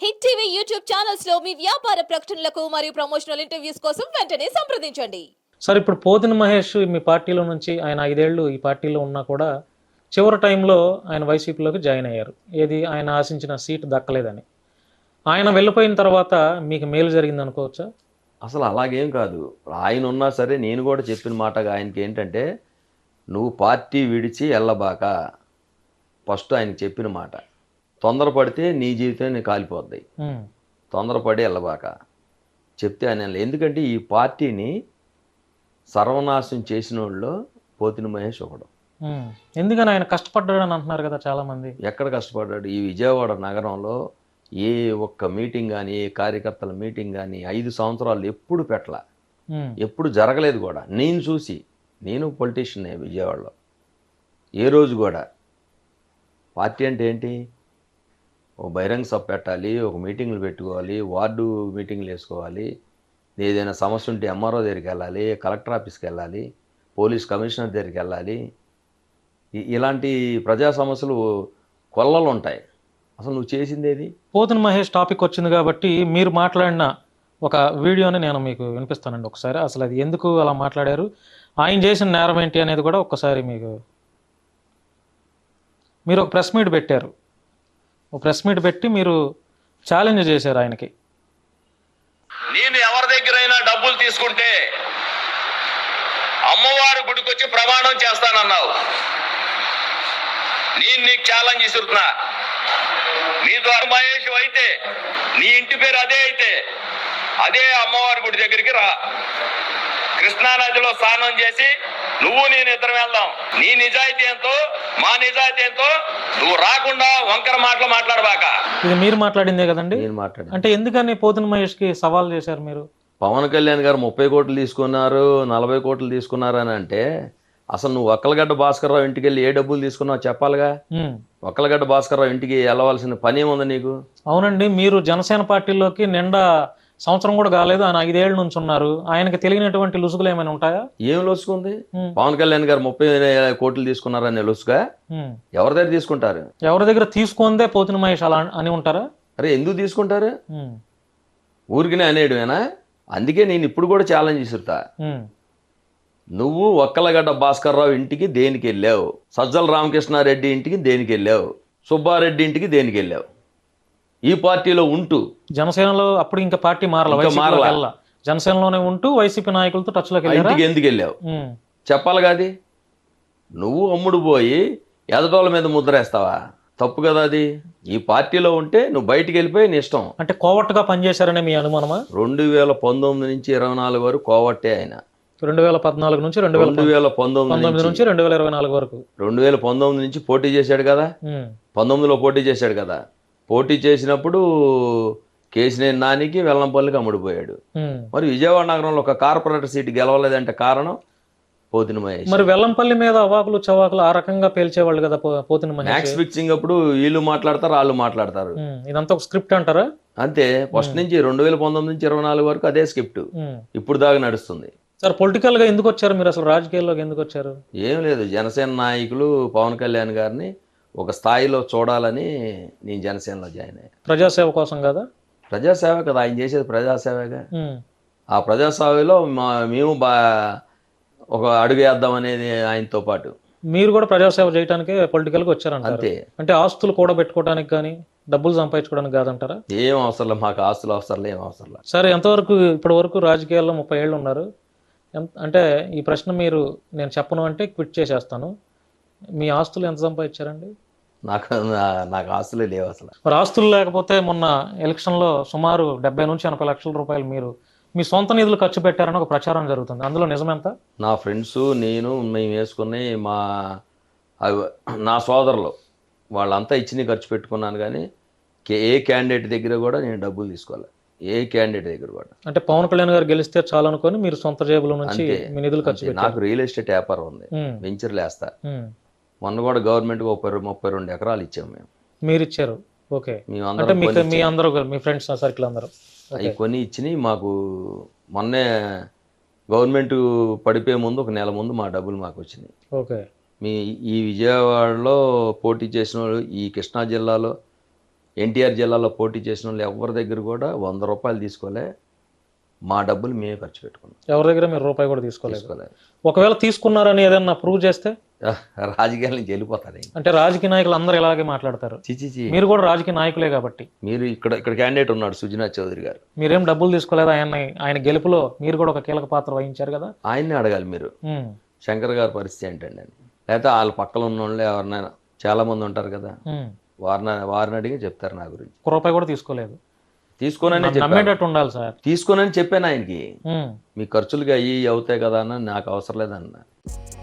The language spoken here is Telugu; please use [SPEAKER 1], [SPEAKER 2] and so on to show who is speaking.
[SPEAKER 1] హిట్ టీవీ యూట్యూబ్ ఛానల్స్ లో మీ వ్యాపార ప్రకటనలకు మరియు ప్రమోషనల్ ఇంటర్వ్యూస్ కోసం వెంటనే సంప్రదించండి.
[SPEAKER 2] సార్ ఇప్పుడు పోతిన మహేష్ మీ పార్టీలో నుంచి ఆయన 5 ఏళ్ళు ఈ పార్టీలో ఉన్నా కూడా చివరి టైంలో ఆయన వైసీపీలోకి జాయిన్ అయ్యారు. ఏది ఆయన ఆశించిన సీటు దక్కలేదని. ఆయన వెళ్ళిపోయిన తర్వాత మీకు మేలు జరిగింది అనుకోవచ్చా?
[SPEAKER 3] అసలు అలాగేం కాదు. ఆయన ఉన్నా సరే నేను కూడా చెప్పిన మాటగా ఆయనకి ఏంటంటే, నువ్వు పార్టీ విడిచి వెళ్ళబాక. ఫస్ట్ ఆయనకి చెప్పిన మాట, తొందరపడితే నీ జీవితం నీకు కాలిపోద్ది, తొందరపడి వెళ్ళబాక చెప్తే ఆయన ఎందుకంటే ఈ పార్టీని సర్వనాశనం చేసిన వాళ్ళు పోతిన మహేష్ ఒకడు.
[SPEAKER 2] ఎందుకని ఆయన కష్టపడ్డాడని అంటున్నారు కదా చాలా మంది.
[SPEAKER 3] ఎక్కడ కష్టపడ్డాడు? ఈ విజయవాడ నగరంలో ఏ ఒక్క మీటింగ్ కానీ, ఏ కార్యకర్తల మీటింగ్ కానీ 5 సంవత్సరాలు ఎప్పుడు పెట్టలా, ఎప్పుడు జరగలేదు కూడా. నేను పొలిటీషియన్ విజయవాడలో. ఏ రోజు కూడా పార్టీ అంటే ఏంటి, ఒక బహిరంగ సభ పెట్టాలి, ఒక మీటింగ్లు పెట్టుకోవాలి, వార్డు మీటింగ్లు వేసుకోవాలి, ఏదైనా సమస్య ఉంటే ఎంఆర్ఓ దగ్గరికి వెళ్ళాలి, కలెక్టర్ ఆఫీస్కి వెళ్ళాలి, పోలీస్ కమిషనర్ దగ్గరికి వెళ్ళాలి. ఇలాంటి ప్రజా సమస్యలు కొల్లలు ఉంటాయి. అసలు నువ్వు చేసింది ఏది?
[SPEAKER 2] పోతిన మహేష్ టాపిక్ వచ్చింది కాబట్టి మీరు మాట్లాడిన ఒక వీడియోని నేను మీకు వినిపిస్తానండి ఒకసారి. అసలు అది ఎందుకు అలా మాట్లాడారు, ఆయన చేసిన నేరం ఏంటి అనేది కూడా ఒక్కసారి మీరు ఒక ప్రెస్ మీట్ పెట్టారు. ఒక ప్రెస్ మీట్ పెట్టి మీరు ఛాలెంజ్ చేశారు ఆయనకి.
[SPEAKER 4] నేను ఎవరి దగ్గరైనా డబ్బులు తీసుకుంటే అమ్మవారి గుడికొచ్చి ప్రమాణం చేస్తానన్నావు. నేను నీకు ఛాలెంజ్ ఇస్తున్నా, నీ ద్వారా మహేష్ అయితే, నీ ఇంటి పేరు అదే అయితే అదే అమ్మవారి గుడి దగ్గరికి రా. కృష్ణానదిలో స్నానం చేసి నువ్వు నేను ఇద్దరం వెళ్దాం. నీ నిజాయితీ ఎంతో మా నిజాయితీ ఎంతో నువ్వు రాకుండా వంకర మాటలు మాట్లాడబాక.
[SPEAKER 2] ఇది మీరు మాట్లాడిందే కదండి?
[SPEAKER 3] నేను మాట్లాడాను.
[SPEAKER 2] అంటే ఎందుకని పోతిన మహేష్కి సవాల్ చేశారు మీరు?
[SPEAKER 3] పవన్ కళ్యాణ్ గారు 30 కోట్లు తీసుకున్నారు, 40 కోట్లు తీసుకున్నారు అని అంటే, అసలు నువ్వు ఒక్కలగడ్డ భాస్కర్రావు ఇంటికి వెళ్ళి ఏ డబ్బులు తీసుకున్నావు చెప్పాలిగా. ఒక్కలగడ్డ భాస్కర్రావు ఇంటికి వెళ్ళవలసిన పని ఏముంది నీకు?
[SPEAKER 2] అవునండి, మీరు జనసేన పార్టీలోకి నిండా సంవత్సరం కూడా కాలేదు, ఆయన 5 ఏళ్ళ నుంచి ఉన్నారు. ఆయనకి తెలియనటువంటి లుసుగులు ఏమైనా ఉంటాయా?
[SPEAKER 3] ఏం లొసుకుంది? పవన్ కళ్యాణ్ గారు 30 కోట్లు తీసుకున్నారని లొసుగా ఎవరి దగ్గర తీసుకుంటారు?
[SPEAKER 2] ఎవరి దగ్గర తీసుకుందే పోతిన మహేష్ అలా అని ఉంటారా?
[SPEAKER 3] అరే ఎందుకు తీసుకుంటారు? ఊరికినే అనేయడమేనా? అందుకే నేను ఇప్పుడు కూడా ఛాలెంజ్ ఇస్తుతా. నువ్వు ఒక్కలగడ్డ భాస్కర్రావు ఇంటికి దేనికి వెళ్ళావు? సజ్జల రామకృష్ణారెడ్డి ఇంటికి దేనికి వెళ్ళావు? సుబ్బారెడ్డి ఇంటికి దేనికి వెళ్ళావు? ఈ పార్టీలో ఉంటూ
[SPEAKER 2] జనసేనలో అప్పుడు ఇంకా పార్టీ మారల, జనసేనలోనే ఉంటూ వైసీపీ నాయకులతో టచ్ లోకి
[SPEAKER 3] ఇంటికి ఎందుకు వెళ్ళావు చెప్పాలి కాదు. నువ్వు అమ్ముడు పోయి ఎదటోళ్ళ మీద ముద్రేస్తావా? తప్పు కదా అది. ఈ పార్టీలో ఉంటే నువ్వు బయటికి వెళ్ళిపోయి నీ ఇష్టం.
[SPEAKER 2] అంటే కోవట్టుగా పనిచేశారనే మీ అనుమానమా?
[SPEAKER 3] 2019 నుంచి 24 వరకు కోవట్టే ఆయన.
[SPEAKER 2] 2014 నుంచి 2019 నుంచి 2024 వరకు.
[SPEAKER 3] 2019 నుంచి పోటీ చేశాడు కదా, 19లో పోటీ చేశాడు కదా. పోటీ చేసినప్పుడు కేసినేని నానికి వెల్లంపల్లికి అమ్ముడిపోయాడు. మరి విజయవాడ నగరంలో ఒక కార్పొరేటర్ సీటు గెలవలేదంటే కారణం పోతిన మహేష్.
[SPEAKER 2] మరి వెల్లంపల్లి మీద అవాకులు చవాకులు ఆ రకంగా పేల్చేవాళ్ళు కదా పోతిన మహేష్.
[SPEAKER 3] మ్యాక్స్ ఫిక్సింగ్ అప్పుడు వీళ్ళు మాట్లాడతారు, వాళ్ళు మాట్లాడతారు.
[SPEAKER 2] ఇదంతా ఒక స్క్రిప్ట్ అంటారా?
[SPEAKER 3] అంతే. ఫస్ట్ నుంచి 2019 నుంచి 24 వరకు అదే స్క్రిప్ట్ ఇప్పుడు దాకా నడుస్తుంది.
[SPEAKER 2] సార్ పొలిటికల్ గా ఎందుకు వచ్చారు మీరు? అసలు రాజకీయాల్లోకి ఎందుకు వచ్చారు?
[SPEAKER 3] ఏం లేదు, జనసేన నాయకులు పవన్ కళ్యాణ్ గారిని ఒక స్థాయిలో చూడాలని నేను జనసేనలో జాయిన్ అయ్యాను.
[SPEAKER 2] ప్రజాసేవ కోసం కదా?
[SPEAKER 3] ప్రజాసేవ కదా ఆయన చేసేది, ప్రజాసేవగా. ఆ ప్రజాసేవలో మేము ఒక అడుగు వేద్దాం అనేది ఆయనతో పాటు.
[SPEAKER 2] మీరు కూడా ప్రజాసేవ చేయడానికే పొలిటికల్గా వచ్చారంట.
[SPEAKER 3] అంతే.
[SPEAKER 2] అంటే ఆస్తులు కూడా పెట్టుకోవడానికి కానీ డబ్బులు సంపాదించుకోవడానికి కాదంటారా?
[SPEAKER 3] ఏం అవసరం లేదు మాకు, ఆస్తులు అవసరం ఏం అవసరం లేదు.
[SPEAKER 2] సరే, ఎంతవరకు ఇప్పటి వరకు రాజకీయాల్లో 30 ఏళ్ళు ఉన్నారు. అంటే ఈ ప్రశ్న నేను చెప్పను అంటే క్విట్ చేసేస్తాను. మీ ఆస్తులు ఎంత సంపాదించారండి?
[SPEAKER 3] నాకు ఆస్తులే లేవు అసలు.
[SPEAKER 2] మరి ఆస్తులు లేకపోతే మొన్న ఎలక్షన్లో సుమారు 70 నుంచి 80 లక్షల రూపాయలు మీరు మీ సొంత నిధులు ఖర్చు పెట్టారని ఒక ప్రచారం జరుగుతుంది. అందులో నిజమెంత?
[SPEAKER 3] నా ఫ్రెండ్స్ మేము వేసుకుని నా సోదరులు వాళ్ళంతా ఇచ్చి ఖర్చు పెట్టుకున్నాను. కానీ ఏ క్యాండిడేట్ దగ్గర కూడా నేను డబ్బులు తీసుకోవాలి, ఏ క్యాండిడేట్ దగ్గర కూడా.
[SPEAKER 2] అంటే పవన్ కళ్యాణ్ గారు గెలిస్తే చాలు అనుకొని మీరు సొంత జేబుల నుంచి మీ నిధులు ఖర్చు పెట్టారు.
[SPEAKER 3] నాకు రియల్ ఎస్టేట్ వ్యాపారం ఉంది, వెంచర్లు వేస్తా. మొన్న కూడా గవర్నమెంట్కి 32 ఎకరాలు ఇచ్చాము మేము. మీరు
[SPEAKER 2] ఇచ్చారు? ఓకే. మీ అందరూ మీ ఫ్రెండ్స్ సర్కిల్ అందరూ
[SPEAKER 3] అవి కొని ఇచ్చినాయి మాకు. మొన్నే గవర్నమెంట్ పడిపోయే ముందు 1 నెల ముందు మా డబ్బులు మాకు వచ్చినాయి.
[SPEAKER 2] ఓకే.
[SPEAKER 3] ఈ విజయవాడలో పోటీ చేసిన వాళ్ళు, ఈ కృష్ణా జిల్లాలో ఎన్టీఆర్ జిల్లాలో పోటీ చేసిన వాళ్ళు ఎవరి దగ్గర కూడా 100 రూపాయలు తీసుకోలే, మా డబ్బులు మేమే ఖర్చు పెట్టుకున్నాం.
[SPEAKER 2] ఎవరి దగ్గర మీరు రూపాయి కూడా తీసుకోలేదు.
[SPEAKER 3] తీసుకోలేదు.
[SPEAKER 2] ఒకవేళ తీసుకున్నారని ఏదన్నా ప్రూవ్ చేస్తే
[SPEAKER 3] రాజకీయాల నుంచి వెళ్ళిపోతారు.
[SPEAKER 2] అంటే రాజకీయ నాయకులు అందరూ ఇలాగే మాట్లాడతారు.
[SPEAKER 3] చిచిచి,
[SPEAKER 2] మీరు కూడా రాజకీయ నాయకులే కాబట్టి.
[SPEAKER 3] మీరు ఇక్కడ క్యాండిడేట్ ఉన్నాడు సుజనాథ్ చౌదరి గారు,
[SPEAKER 2] మీరేం డబ్బులు తీసుకోలేదు. ఆయన గెలుపులో మీరు కూడా ఒక కీలక పాత్ర వహించారు కదా.
[SPEAKER 3] ఆయన్ని అడగాలి మీరు.
[SPEAKER 2] ఉమ్,
[SPEAKER 3] శంకర్ గారి పరిస్థితి ఏంటండి అని, లేకపోతే వాళ్ళ పక్కన ఉన్న వాళ్ళు ఎవరినైనా చాలా మంది ఉంటారు కదా,
[SPEAKER 2] ఉమ్.
[SPEAKER 3] వారిని అడిగి చెప్తారు నా గురించి.
[SPEAKER 2] ఒక్క రూపాయి కూడా తీసుకోలేదు.
[SPEAKER 3] తీసుకోనని
[SPEAKER 2] నమ్మేటట్టు ఉండాలి సార్.
[SPEAKER 3] తీసుకోనని చెప్పాను ఆయనకి.
[SPEAKER 2] ఉమ్.
[SPEAKER 3] మీ ఖర్చులుగా అయ్యి అవుతాయి కదా అన్న, నాకు అవసరం లేదన్న.